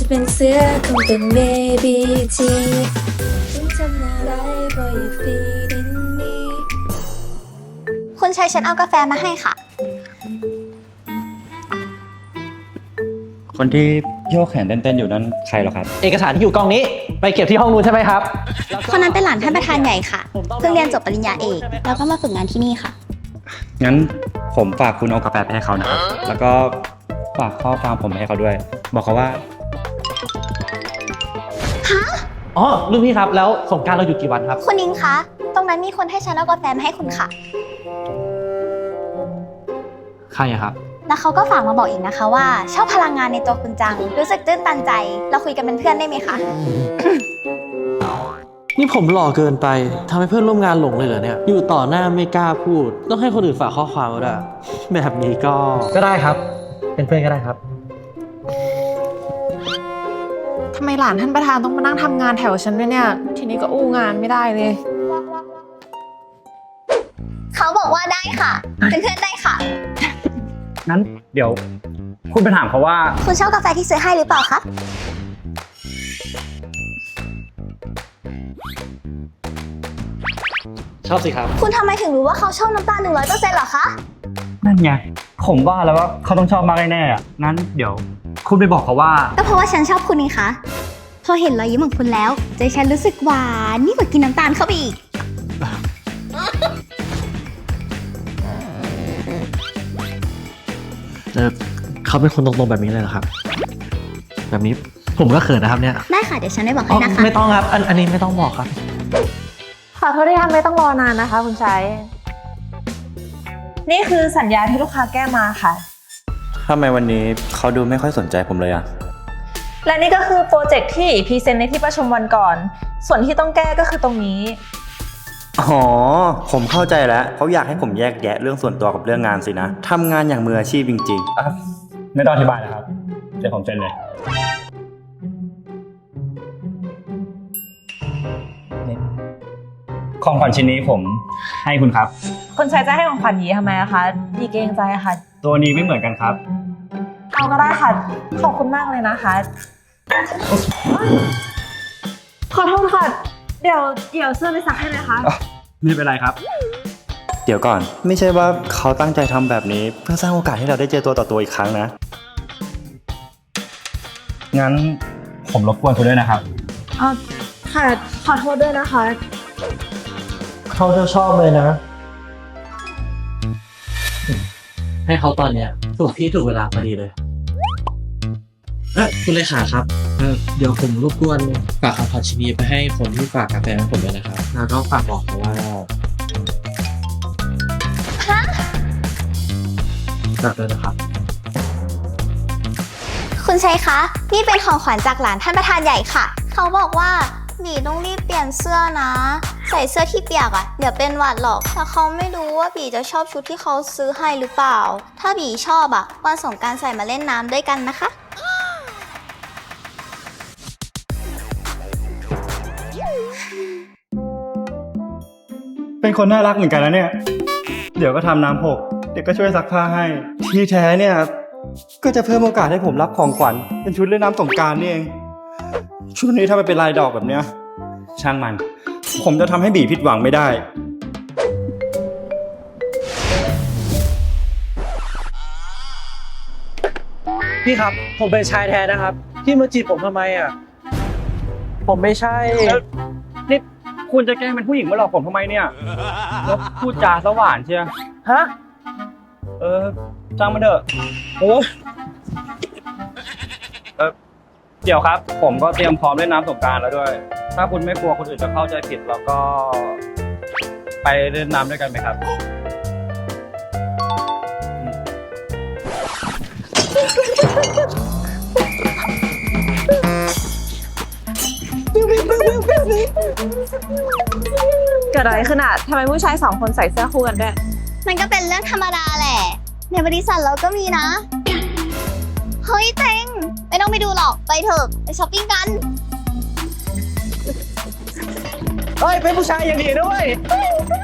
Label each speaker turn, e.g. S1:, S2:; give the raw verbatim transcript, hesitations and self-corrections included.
S1: จะเป็นเสือคงเป็นเบบีจีฉันทำอะไรก็อย่าฟีดินนี้
S2: คุณชายฉันเอากาแฟมาให้ค่ะ
S3: คนที่โยกแขนเต้นๆอยู่นั้นใครเหรอครับ
S4: เอกสารที่อยู่กองนี้ไปเก็บที่ห้องนู้นใช่ไหมครับ
S2: คนนั้นเป็นหลานท่านประธานใหญ่ค่ะ เพิ่งเรียนจบปริญญาเอก แล้วก็มาฝึกงานที่นี่ค่ะ
S3: งั้นผมฝากคุณเอากาแฟไปให้เขานะครับ แล้วก็ฝากข้อความผมไปให้เขาด้วย บอกเขาว่า
S4: อ๋อรุ่นพี่ครับแล้วสงกรานต์เราหยุดกี่วันครับ
S2: คุณนิ้งคะ ตรงนั้นมีคนให้ฉันเอากาแฟมาให้คุณค่ะ
S4: ใครอะครับ
S2: แล้วเขาก็ฝากมาบอกอีกนะคะว่าชอบพลังงานในตัวคุณจัง รู้สึกตื้นตันใจ เราคุยกันเป็นเพื่อนได้ไหมคะ
S5: นี่ผมหล่อเกินไปทำให้เพื่อนร่วมงานหลงเลยเหรอเนี่ย อยู่ต่อหน้าไม่กล้าพูด ต้องให้คนอื่นฝากข้อความมาด้วยแบบนี้ก็
S4: ก็ได้ครับ เป็นเพื่อนก็ได้ครับ
S6: ทำไมหลานท่านประธานต้องมานั่งทำงานแถวฉันด้วยเนี่ย ทีนี้ก็อู้งานไม่ได้เลย
S2: เขาบอกว่าได้ค่ะ เป็นเพื่อนได้ค่ะ
S3: งั้นเดี๋ยวคุณไปถามเขาว่า
S2: คุณชอบกาแฟที่ซื้อให้หรือเปล่าคะ
S4: ชอบสิครับ
S2: คุณทำไมถึงรู้ว่าเขาชอบน้ำตาลหนึ่งร้อยเปอร์เซ็นต์หรอคะ
S3: นั่นไง ผมว่าแล้วว่าเขาต้องชอบมากแน่ๆอ่ะ งั้นเดี๋ยวคุณไปบอกเขาว่า
S2: ก็เพราะว่าฉันชอบคุณนี่คะพอเห็นรอยยิ้มของคุณแล้วใจฉันรู้สึกหวานนี่งกว่ากินน้ำตาลเข้าไปอีก
S5: เออเขาเป็นคนตรงๆแบบนี้เลยเหรอครับ แบบนี้ผมก็เขินนะครับเนี่ย
S2: ได้ค่ะเดี๋ยวฉันได้บอก
S5: อ๋อ
S2: ให้นะคะ
S5: ไม่ต้องครับอันอันนี้ไม่ต้องบอกครับ
S6: ขอโทษที่ทำไม่ต้องรอนานนะคะคุณชัย นี่คือสัญญาที่ลูกค้าแก้มาค่ะ
S3: ทำไมวันนี้เขาดูไม่ค่อยสนใจผมเลยอ่ะ
S6: และนี่ก็คือโปรเจกต์ที่พรีเซนต์ในที่ประชุมวันก่อน ส่วนที่ต้องแก้ก็คือตรงนี้
S7: อ๋อ ผมเข้าใจแล้วเขาอยากให้ผมแยกแยะเรื่องส่วนตัวกับเรื่องงานสินะทำงานอย่างมืออาชีพจริง
S3: ไม่ต้องอธิบายนะครับ เดี๋ยวผมเซ็นเลยนี่ของขวัญชิ้นนี้ผมให้คุณครับ
S6: คุณชัยจะให้ของขวัญยีทำไมอะคะยีเกรงใจค่ะ
S3: ตัวนี้ไม่เหมือนกันครับ
S6: เอาก็ได้ค่ะ ขอบคุณมากเลยนะคะ ขอโทษค่ะ เดี๋ยวเดี๋ยวเสื้อไปซักให้นะคะ
S3: ไม่เป็นไรครับ
S7: ๆ เดี๋ยวก่อน ไม่ใช่ว่าเขาตั้งใจทำแบบนี้เพื่อสร้างโอกาสให้เราได้เจอตัวต่อตัวอีกครั้งนะ
S3: งั้นผมรบกวนคุณด้วยนะครับ
S6: อ๋อค่ะ ขอโทษด้วยนะคะ
S5: เขาจะชอบเลยนะ ให้เขาตอนเนี้ยถูกที่ถูกเวลาพอดีเลย เอ๊ะคุณเลขาครับเออเดี๋ยวผมรบกวนฝากคำขอชินีไปให้คนที่ฝากกาแฟให้ผมด้วยนะครับ แล้วก็ฝากบอกเขาว่าฝากด้วยนะครับ
S2: คุณชัยคะ นี่เป็นของขวัญจากหลานท่านประธานใหญ่ค่ะ เขาบอกว่าบีต้องรีบเปลี่ยนเสื้อนะ ใส่เสื้อที่เปียกอะ่ะเดี๋ยวเป็นหวัดหรอกแต่เขาไม่รู้ว่าบีจะชอบชุดที่เขาซื้อให้หรือเปล่า ถ้าบีชอบอะ่ะวันสงกรานต์ใส่มาเล่นน้ำด้วยกันนะคะ
S7: เป็นคนน่ารักเหมือนกันนะเนี่ย เดี๋ยวก็ทำน้ำหก เดี๋ยวก็ช่วยซักผ้าให้ ที่แท้เนี่ย ก็จะเพิ่มโอกาสให้ผมรับของขวัญเป็นชุดเล่นน้ำสงกรานต์นี่เอง ชุดนี้ถ้ามันเป็นลายดอกแบบเนี้ย ช่างมัน ผมจะทำให้บีผิดหวังไม่ได้
S5: พี่ครับ ผมเป็นชายแท้นะครับ พี่มาจีบผมทำไมอ่ะ ผมไม่ใช่
S3: นี่คุณจะแกล้งเป็นผู้หญิงมาหลอกผมทำไมเนี่ยแล้วพูดจาสว่านเชียว
S5: ฮะ
S3: เออจ้างมันเถอะ
S5: โอ้
S3: เออเดี๋ยวครับ ผมก็เตรียมพร้อมเล่นน้ำสงกรานต์แล้วด้วย ถ้าคุณไม่กลัวคนอื่นจะเข้าใจผิดเราก็ ไปเล่นน้ำด้วยกันไหมครับ
S6: เกิดอะไรขึ้นอะทำไมผู้ชายสองคนใส่เสื้อคู่กันด้วย
S2: มันก็เป็นเรื่องธรรมดาแหละ ในบริษัทเราก็มีนะ เฮ้ยเต็งไม่ต้องไปดูหรอก ไปเถอะไปช้อปปิ้งกัน
S5: เฮ้ย เป็นผู้ชายอย่างดีด้วย
S2: ไป